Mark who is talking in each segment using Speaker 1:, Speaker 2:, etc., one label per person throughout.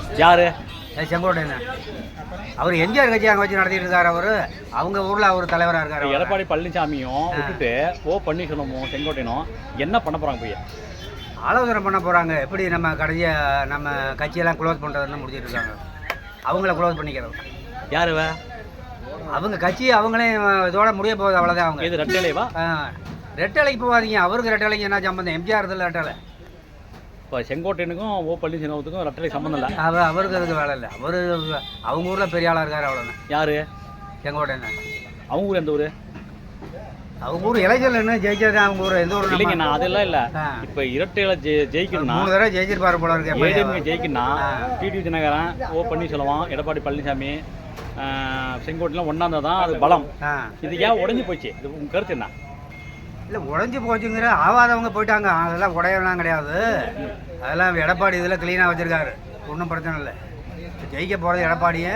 Speaker 1: யாரு?
Speaker 2: செங்கோட்டையன். அவர் எம்ஜிஆர் கட்சி அங்கே வச்சு நடத்திட்டு இருக்காரு. அவர் அவங்க ஊரில் அவர் தலைவராக இருக்காரு.
Speaker 1: எடப்பாடி பழனிசாமியும் விட்டுட்டு ஓ பன்னீர்செல்வமும் செங்கோட்டையனும் என்ன பண்ண போகிறாங்க போய்?
Speaker 2: ஆலோசனை பண்ண போகிறாங்க. எப்படி நம்ம கடைசியாக நம்ம கட்சியெல்லாம் க்ளோஸ் பண்ணுறதுன்னு முடிச்சிட்டு இருக்காங்க. அவங்கள க்ளோஸ் பண்ணிக்கிறது.
Speaker 1: யாரு?
Speaker 2: அவங்க கட்சி அவங்களே இதோட முடிய போகுது, அவ்வளோதான். அவங்க
Speaker 1: இது ரெட்டலைவா?
Speaker 2: ரெட்டலைக்கு போகாதீங்க. அவருக்கு ரெட்டலைக்கு என்ன சம்பந்தம்? எம்ஜிஆர் இதில் ரெட்டலை.
Speaker 1: இப்போ செங்கோட்டையனுக்கும் ஓ பன்னீர்செல்வத்துக்கும் ரெட்டலை சம்மந்தம் இல்லை.
Speaker 2: அவருக்கு அதுக்கு வேலை இல்லை. அவர் அவங்க ஊரில் பெரிய ஆளாக இருக்கார், அவ்வளோதான்.
Speaker 1: யார்?
Speaker 2: செங்கோட்டையன்.
Speaker 1: அவங்க ஊர் எந்த ஊர்?
Speaker 2: அவங்க ஊர் எலெக்ஷன்ல என்ன ஜெயிச்சது அவங்க ஊர். எந்த ஊர்?
Speaker 1: இல்லைங்க, நான் அதெல்லாம் இல்லை. இப்போ இரட்டையில ஜெயிக்கணும்னா
Speaker 2: 3 தடவை ஜெயிச்சிருப்பாரு போல இருக்கு.
Speaker 1: ஏடிஎம்கே ஜெயிக்கணும்னா டிடி தினகரன், ஓ பன்னீர்செல்வம், எடப்பாடி பழனிசாமி, செங்கோட்டையெல்லாம் ஒன்றாந்தா தான் அது பலம். இது ஏன் உடஞ்சி போச்சு? இது உங்கள் கருத்து என்ன?
Speaker 2: இல்லை, உடஞ்சி போச்சுங்கிற ஆவாதவங்க போயிட்டாங்க. அதெல்லாம் உடையெல்லாம் கிடையாது. அதெல்லாம் எடப்பாடி இதில் க்ளீனாக வச்சுருக்காரு. ஒன்றும் பிரச்சனை இல்லை. ஜெயிக்க போகிறது எடப்பாடியே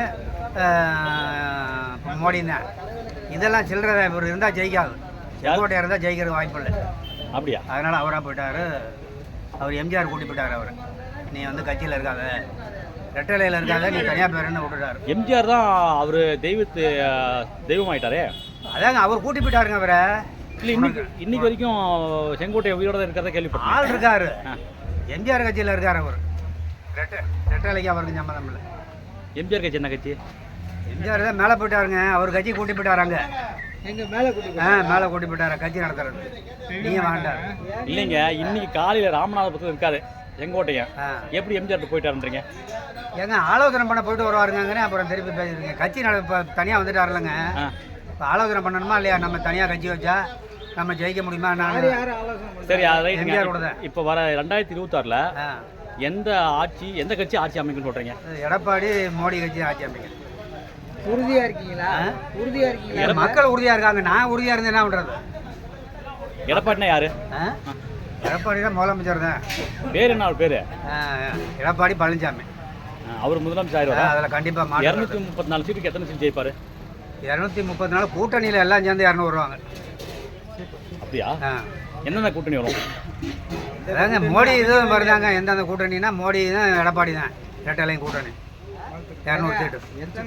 Speaker 2: மோடி தான். இதெல்லாம் சில்லறை இவர் இருந்தால் ஜெயிக்காது. செங்கோட்டையாக இருந்தால் ஜெயிக்கிறது வாய்ப்பு இல்லை.
Speaker 1: அப்படியா?
Speaker 2: அதனால் அவராக போயிட்டார். அவர் எம்ஜிஆர் கூட்டி போயிட்டார். அவர் நீ வந்து கட்சியில் இருக்காத, ரெட்டலையில் இருக்காத, நீ தனியாக பேருன்னு விட்டுட்டார்.
Speaker 1: எம்ஜிஆர் தான் அவர் தெய்வம் ஆயிட்டாரே.
Speaker 2: அதாங்க அவர் கூட்டி போயிட்டாருங்க அவரை.
Speaker 1: இல்லை, இன்னைக்கு வரைக்கும் செங்கோட்டை உயிரோட இருக்கிறத கேள்விப்பட்டேன்.
Speaker 2: ஆள் இருக்காரு. எம்ஜிஆர் கட்சியில் இருக்கார் அவர். ரெட்டலைக்கு அவருக்கு சம்மந்தம் இல்லை.
Speaker 1: எம்ஜிஆர் கட்சி என்ன கட்சி?
Speaker 2: எம்ஜிஆர் தான் மேலே போயிட்டாருங்க. அவர் கட்சி கூட்டி போயிட்டாராங்க. மேலே கூட்டி போயிட்டாரு கட்சி நடத்துறது. நீங்கள் வேண்டாம்.
Speaker 1: இல்லைங்க, இன்னைக்கு காலையில் ராமநாதபுரத்தில் இருக்காரு செங்கோட்டையன். எப்படி எம்ஜிஆர் போயிட்டாருன்றீங்க?
Speaker 2: ஏங்க ஆலோசனை பண்ண போயிட்டு வருவாருங்க. அப்புறம் திருப்பி பேசிருக்கீங்க. கட்சி இப்போ தனியாக வந்துட்டாருலங்க. இப்போ ஆலோசனை பண்ணணுமா இல்லையா? நம்ம தனியாக கட்சி வச்சா நம்ம ஜெயிக்க முடியுமா?
Speaker 1: சரி, இப்போ வர 2026ல் எந்த கட்சி ஆட்சி அமைக்குன்னு சொல்கிறீங்க?
Speaker 2: எடப்பாடி மோடி கட்சி ஆட்சி அமைக்கும்.
Speaker 3: உறுதியாக இருக்கீங்களா?
Speaker 2: மக்கள் உறுதியாக இருக்காங்க. நான் உறுதியாக இருந்தேன். என்ன பண்ணுறது?
Speaker 1: எடப்பாடினா யாரு?
Speaker 2: எடப்பாடி தான் முதலமைச்சர் தான்.
Speaker 1: பேர் என்ன? அவர் பேர்
Speaker 2: எடப்பாடி பழனிசாமி.
Speaker 1: அவர் முதலமைச்சர் ஆயிடுவார்.
Speaker 2: அதில் கண்டிப்பாக
Speaker 1: 234 சீட்டுக்கு எத்தனை சீட் ஜெயிப்பார்?
Speaker 2: 234. கூட்டணியில் எல்லாம் சேர்ந்து 200 வருவாங்க.
Speaker 1: அப்படியா? என்னென்ன கூட்டணி வரும்?
Speaker 2: அதாங்க மோடி இதுவும் வருதாங்க. எந்தெந்த கூட்டணினா மோடி தான், எடப்பாடி தான். ரெட்டலையும் கூட்டணி 200 சீட்டு.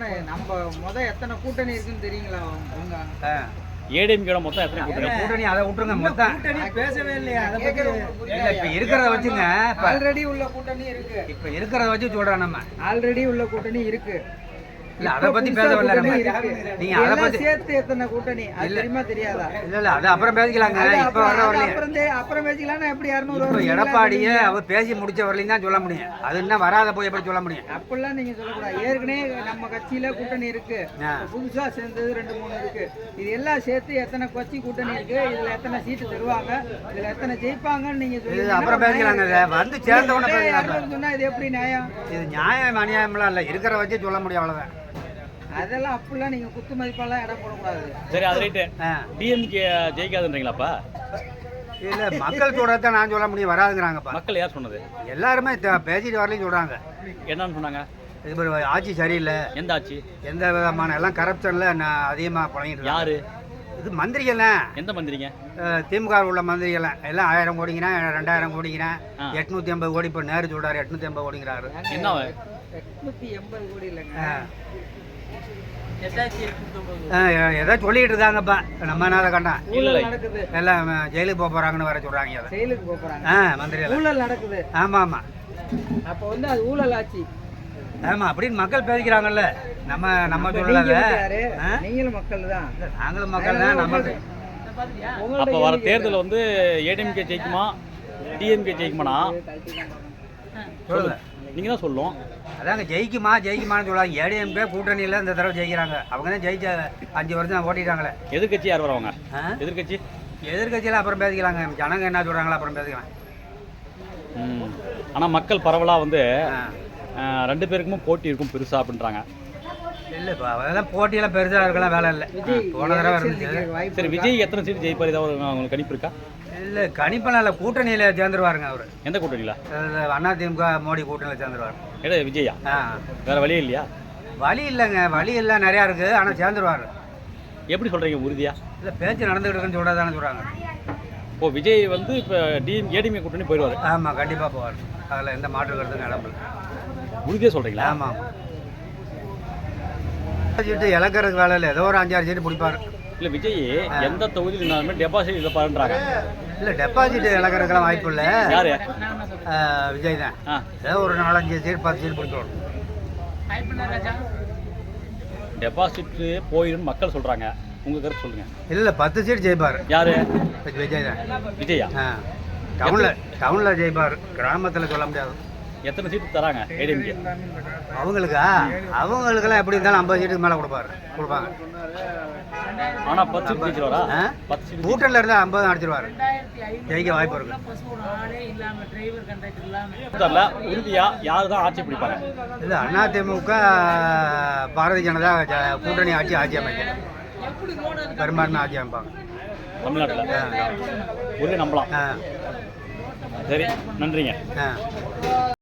Speaker 3: எத்தனை கூட்டணி இருக்குன்னு தெரியுங்களா?
Speaker 1: ஏடிஎம்கே மொத்தம் எத்தனை
Speaker 2: கூட்டணி? அதை விட்டுருங்க. மொத்தம்
Speaker 3: பேசவே இல்லையா?
Speaker 2: இப்போ இருக்கிறத வச்சுங்க.
Speaker 3: ஆல்ரெடி உள்ள கூட்டணி இருக்கு.
Speaker 2: இப்போ இருக்கிறத வச்சு சொல்கிறோம். நம்ம
Speaker 3: ஆல்ரெடி உள்ள கூட்டணி இருக்கு.
Speaker 2: இல்ல, அதை பத்தி பேச வரல. நீங்க அதை பத்தி
Speaker 3: சேர்த்து எத்தனை கூட்டணி அது தெரியுமா தெரியாதா?
Speaker 2: இல்ல அது அப்புறம் பேசிக்கலாங்க. இப்ப வர வரல.
Speaker 3: அப்புறம் பேசிக்கலாம். எப்படி 200
Speaker 2: இப்ப எடப்பாடியே அவர் பேசி முடிச்ச வரலையும் தான் சொல்ல முடியும். அது என்ன வராத போய் எப்படி சொல்ல முடியும்?
Speaker 3: அப்படிலாம் நீங்க சொல்லக்கூடாது. ஏற்கனவே நம்ம கட்சியில கூட்டணி இருக்கு. புதுசா சேர்ந்தது 2-3 இருக்கு. இது எல்லாம் சேர்த்து எத்தனை கட்சி கூட்டணி இருக்கு, இதுல எத்தனை சீட்டு தருவாங்க, இதுல எத்தனை ஜெயிப்பாங்கன்னு நீங்க சொல்லுங்க.
Speaker 2: அப்புறம் பேசிக்கலாங்க. வந்து சேர்ந்த உடனே பேசலாம்.
Speaker 3: சொன்னா இது எப்படி நியாயம்?
Speaker 2: இது நியாயம் அநியாயம்லாம் இல்ல. இருக்கிற வச்சு சொல்ல முடியும், அவ்வளவுதான்.
Speaker 3: அதெல்லாம் அப்படிலாம் நீங்க குத்து மதிப்பெல்லாம் இடம் போடக்கூடாது.
Speaker 1: சரி, அது ரைட்டு. டிஎம்கே ஜெயிக்காதுன்றீங்களாப்பா?
Speaker 2: இல்ல, மக்கள் சொல்றத நான் சொல்ல முடியும். வராதுங்கிறாங்கப்பா.
Speaker 1: மக்கள் யார் சொன்னது?
Speaker 2: எல்லாருமே பேசிட்டு வரலையும் சொல்றாங்க.
Speaker 1: என்னன்னு சொன்னாங்க?
Speaker 2: இது ஆட்சி சரியில்லை.
Speaker 1: எந்த ஆட்சி?
Speaker 2: எந்த விதமான எல்லாம் கரப்ஷன்ல அதிகமாக பழகிட்டு.
Speaker 1: யாரு?
Speaker 2: இது மந்திரிகள்லாம்.
Speaker 1: எந்த மந்திரிங்க?
Speaker 2: திமுக உள்ள மந்திரிகள்லாம் எல்லாம் 1000 கோடிங்கிறேன், 2000 கோடிங்கிறேன், 880 கோடி. இப்போ நேரு சொல்றாரு 880 கோடிங்கிறாரு.
Speaker 1: என்ன
Speaker 3: 880 கோடி இல்லைங்க,
Speaker 2: ஏதாவது சொல்லிட்டு இருக்காங்கப்பா. நம்ம என்ன கண்டா
Speaker 3: நடக்குது.
Speaker 2: எல்லாம் ஜெயிலுக்கு போக போறாங்கன்னு வர சொல்றாங்க.
Speaker 3: ஜெயிலுக்கு போக போறாங்க
Speaker 2: மந்திரிகள்.
Speaker 3: ஊழல் நடக்குது.
Speaker 2: ஆமா ஆமா.
Speaker 3: அப்போ வந்து அது ஊழல் ஆட்சி.
Speaker 2: ஆமா, அப்படின்னு மக்கள் பேசிக்கிறாங்கல்ல. நம்ம சொல்லல.
Speaker 3: நீங்களும் மக்கள் தான்.
Speaker 2: நாங்களும் மக்கள் தான். நம்ம
Speaker 1: அப்போ வர தேர்தல் வந்து ஏடிஎம்கே ஜெயிக்குமா டிஎம்கே ஜெயிக்குமானா சொல்லுங்க, நீங்க தான் சொல்லும்.
Speaker 2: அதாங்க ஜெயிக்குமான்னு சொல்லுவாங்க. ஏடிஎம்கே கூட்டணியில் இந்த தடவை ஜெயிக்கிறாங்க. அவங்க தான் ஜெயிச்ச 5 வருஷம் ஓட்டிட்டாங்களே.
Speaker 1: எதிர்கட்சி யார் வரவங்க?
Speaker 2: எதிர்கட்சியில் அப்புறம் பேசிக்கலாங்க. ஜனங்க என்ன சொல்கிறாங்களோ அப்புறம் பேசிக்கலாம்.
Speaker 1: ஆனால் மக்கள் பரவலாக வந்து 2 பேருக்குமே போட்டி இருக்கும் பெருசா அப்படின்றாங்க.
Speaker 2: இல்லை, இப்போ அதெல்லாம் போட்டியெல்லாம் பெருசாக இருக்கலாம், வேலை இல்லை. போன தடவை இருந்துச்சு.
Speaker 1: சரி, விஜய் எத்தனை சீட் ஜெயிப்பார்? ஏதாவது உங்களுக்கு கணிப்பு இருக்கா?
Speaker 2: இல்லை, கணிப்பெல்லாம் இல்லை. கூட்டணியில் சேர்ந்துருவாருங்க அவர்.
Speaker 1: எந்த கூட்டணியில்?
Speaker 2: அதிமுக மோடி கூட்டணியில் சேர்ந்துருவார்.
Speaker 1: ஏடா விஜயா? வேறு வழி இல்லையா?
Speaker 2: வழி இல்லைங்க, வழி இல்லை, நிறையா இருக்குது. ஆனால் சேர்ந்துருவார்.
Speaker 1: எப்படி சொல்கிறீங்க உறுதியா?
Speaker 2: இல்லை, பேச்சு நடந்துகிட்டு இருக்குன்னு சொல்கிறதானே சொல்கிறாங்க.
Speaker 1: ஓ, விஜய் வந்து இப்போ ஏடிஎம்கே கூட்டணி போயிடுவார்?
Speaker 2: ஆமாம், கண்டிப்பாக போவார். அதில் எந்த மாற்று கருத்துக்கும் இடம் இல்லை.
Speaker 1: உறுதியாக சொல்கிறீங்களா?
Speaker 2: ஆமாம். சீட்டு இழக்கிறதுக்கு வேலை இல்லை, ஏதோ ஒரு 5-6 சீட்டு பிடிப்பாரு.
Speaker 1: இல்லை விஜய் எந்த தொகுதியில் இருந்தாலுமே டெபாசிட் இதை பாருன்றாங்க.
Speaker 2: இல்லை டெபாசிட் இழக்கிறதுக்கெல்லாம் வாய்ப்பு இல்லை.
Speaker 1: யாரு?
Speaker 2: விஜய் தான். ஏதோ ஒரு 4-5 சீட் 10 சீட் பிடிக்கணும்.
Speaker 1: டெபாசிட் போயிடும் மக்கள் சொல்கிறாங்க, உங்கள் கருத்து சொல்லுங்கள்.
Speaker 2: இல்லை 10 சீட் ஜெயிப்பார்.
Speaker 1: யாரு?
Speaker 2: விஜய் தான்.
Speaker 1: விஜயா?
Speaker 2: டவுனில் ஜெயிப்பார், கிராமத்தில் சொல்ல முடியாது.
Speaker 1: எத்தனை சீட்டு தராங்க ஏடிஎம்கே?
Speaker 2: அவங்களுக்கெல்லாம் எப்படி இருந்தாலும் 50 சீட்டுக்கு மேலே கொடுப்பாங்க.
Speaker 1: ஆனால் 10 சீட் ஜெயிச்சிருவாரா? 10 சீட்
Speaker 2: கூட்டணியில் இருந்தால் 50 அடிச்சிருவார், ஜெயிக்க வாய்ப்பு இருக்கு.
Speaker 1: உறுதியாக யார் தான் ஆட்சி பிடிப்பாங்க?
Speaker 2: இல்லை அதிமுக பாரதிய ஜனதா கூட்டணி ஆட்சி அமைக்க பெரும்பான்மை ஆட்சி அமைப்பாங்க
Speaker 1: தமிழ்நாட்டில். உறுதி நம்பலாம். சரி, நன்றிங்க.